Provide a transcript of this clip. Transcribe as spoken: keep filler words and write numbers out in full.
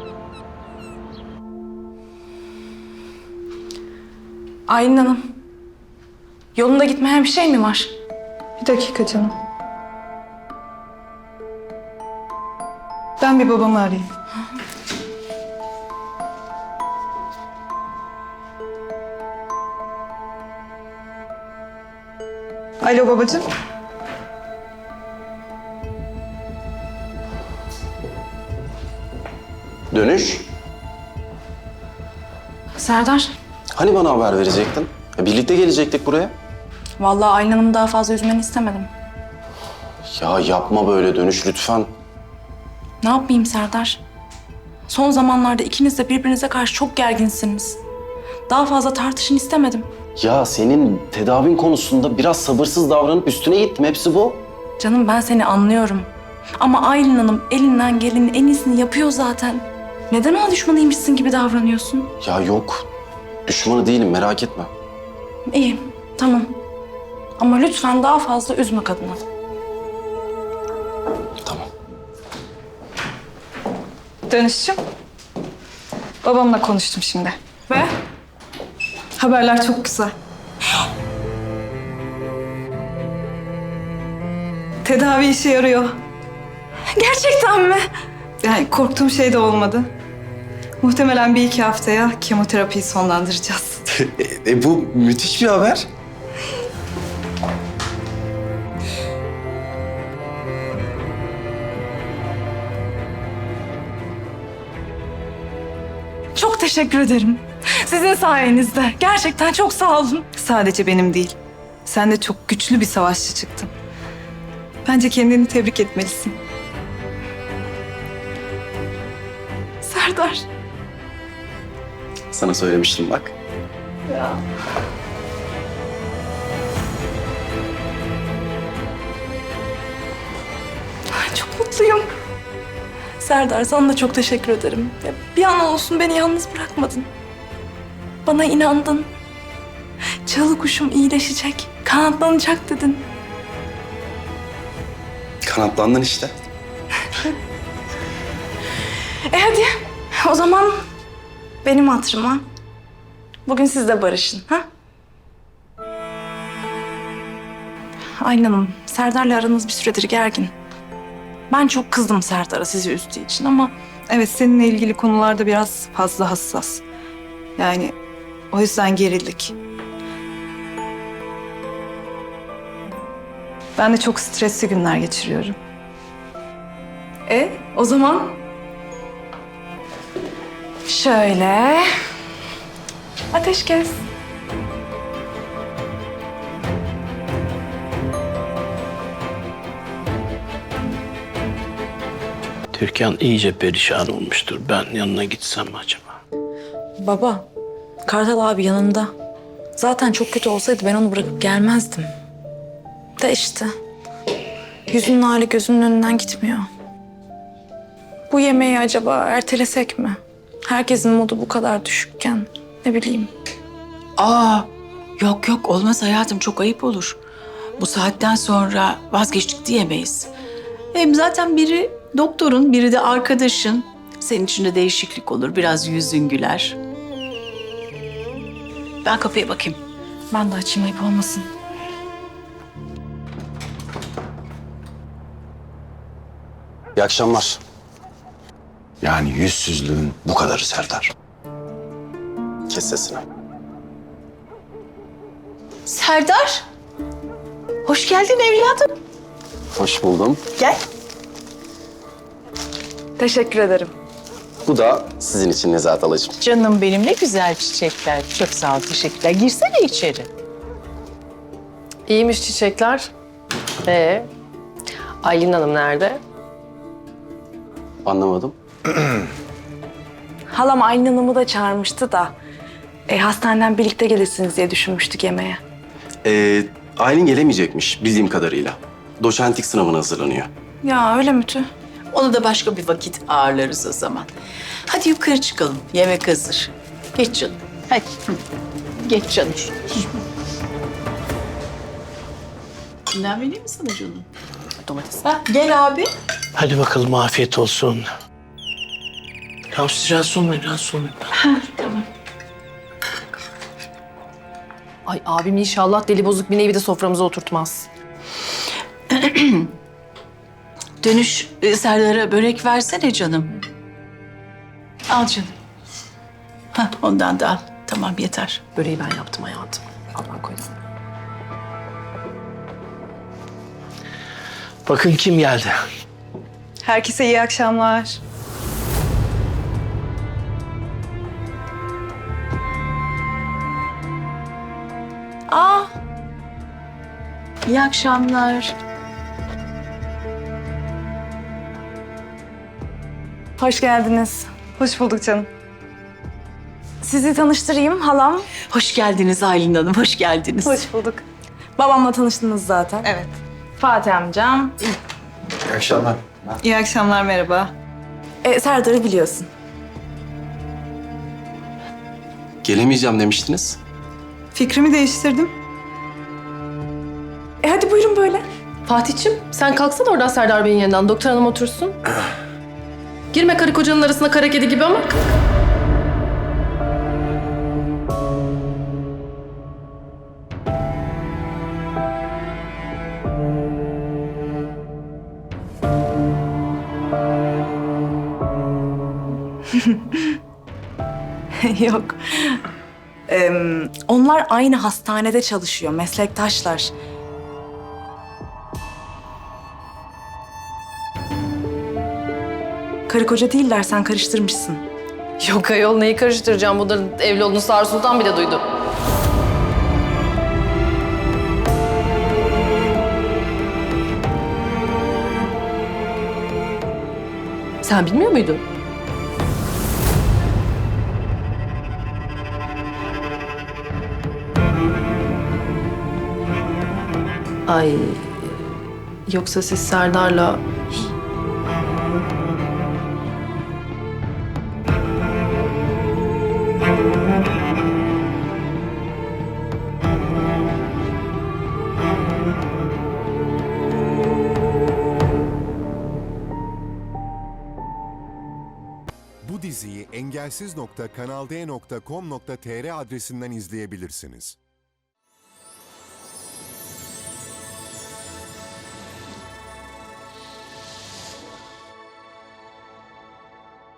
Aylin Hanım, yolunda gitmeyen bir şey mi var? Bir dakika canım. Ben bir babamı arayayım. Alo babacığım. Dönüş. Serdar, Hani bana haber verecektin? Ya birlikte gelecektik buraya. vallahi Aylin Hanım'ı daha fazla üzmeni istemedim. Ya yapma böyle Dönüş lütfen. Ne yapayım Serdar? Son zamanlarda ikiniz de birbirinize karşı çok gerginsiniz. Daha fazla tartışın istemedim. Ya senin tedavin konusunda biraz sabırsız davranıp üstüne gittim. Hepsi bu. Canım ben seni anlıyorum. Ama Aylin Hanım elinden gelenin en iyisini yapıyor zaten. Neden ona düşmanıymışsın gibi davranıyorsun? Ya yok. Düşmanı değilim merak etme. İyi, tamam. Ama lütfen daha fazla üzme kadını. Tamam. Dönüşçüm. Babamla konuştum şimdi. Ve? Haberler çok güzel. Tedavi işe yarıyor. Gerçekten mi? Yani korktuğum şey de olmadı. Muhtemelen bir iki haftaya kemoterapiyi sonlandıracağız. e, e, bu müthiş bir haber. Çok teşekkür ederim. Sizin sayenizde. Gerçekten çok sağ olun. Sadece benim değil. Sen de çok güçlü bir savaşçı çıktın. Bence kendini tebrik etmelisin. Serdar. Sana söylemiştim bak. Ay, çok mutluyum. Serdar sana da çok teşekkür ederim. Ya, bir an olsun beni yalnız bırakmadın. Bana inandın. Çalı kuşum iyileşecek, kanatlanacak dedin. Kanatlandın işte. E hadi o zaman benim hatırıma bugün siz de barışın. Ha? Aylin Hanım, Serdar'la aranız bir süredir gergin. Ben çok kızdım Serdar'a sizi üzdüğü için ama... Evet, seninle ilgili konularda biraz fazla hassas. Yani o yüzden gerildik. Ben de çok stresli günler geçiriyorum. E o zaman... Şöyle... Ateşkes. Türkan iyice perişan olmuştur. Ben yanına gitsem mi acaba? Baba, Kartal abi yanında. Zaten çok kötü olsaydı ben onu bırakıp gelmezdim. De işte, yüzünün hali gözünün önünden gitmiyor. Bu yemeği acaba ertelesek mi? Herkesin modu bu kadar düşükken, ne bileyim. Aa, yok yok olmaz hayatım, çok ayıp olur. Bu saatten sonra vazgeçtik diyemeyiz. Hem zaten biri doktorun, biri de arkadaşın. Senin için de değişiklik olur, biraz yüzün güler. Ben kapıya bakayım. Ben de açayım, ayıp olmasın. İyi akşamlar. Yani yüzsüzlüğün bu kadarı Serdar. Kes sesini. Serdar, hoş geldin evladım. Hoş buldum. Gel. Teşekkür ederim. Bu da sizin için Nezahat Halacığım. Canım benim, ne güzel çiçekler. Çok sağ ol, teşekkürler. Girsene içeri. İyiymiş çiçekler. Ee, Aylin Hanım nerede? Anlamadım. Halam Aylin Hanım'ı da çağırmıştı da... E, hastaneden birlikte gelirsiniz diye düşünmüştük yemeğe. Ee, Aylin gelemeyecekmiş bildiğim kadarıyla. Doçentlik sınavına hazırlanıyor. Ya öyle mi Tü? Onu da başka bir vakit ağırlarız o zaman. Hadi yukarı çıkalım. Yemek hazır. Geç canım. Hadi. Hı. Geç canım. Bundan vereyim mi sana canım? Domates. Ha, gel abi. Hadi bakalım afiyet olsun. Tamam siz rahatsız olmayın, rahatsız olmayın. Ay abim inşallah deli bozuk bir nevi de soframıza oturtmaz. Dönüş e, Serdar'a börek versene canım. Al canım. Hah, ondan da al. Tamam yeter. Böreği ben yaptım hayatım. Al ben koydum. Bakın kim geldi. Herkese iyi akşamlar. Aa. İyi akşamlar. Hoş geldiniz. Hoş bulduk canım. Sizi tanıştırayım halam. Hoş geldiniz Aylin Hanım, hoş geldiniz. Hoş bulduk. Babamla tanıştınız zaten. Evet. Fatih amcam. İyi akşamlar. İyi akşamlar, merhaba. E, Serdar'ı biliyorsun. Gelemeyeceğim demiştiniz. Fikrimi değiştirdim. E hadi buyurun böyle. Fatih'cim sen kalksana oradan Serdar Bey'in yanından. Doktor hanım otursun. Girme karı kocanın arasına kara kedi gibi ama. Yok. Ee, onlar aynı hastanede çalışıyor, meslektaşlar. Karı koca değiller, sen karıştırmışsın. Yok ayol neyi karıştıracağım? Bunların evli olduğunu Sağır Sultan bile duydu. Sen bilmiyor muydun? Ay, yoksa siz Serdar'la... Bu diziyi engelsiz nokta kanal d nokta com nokta tr adresinden izleyebilirsiniz.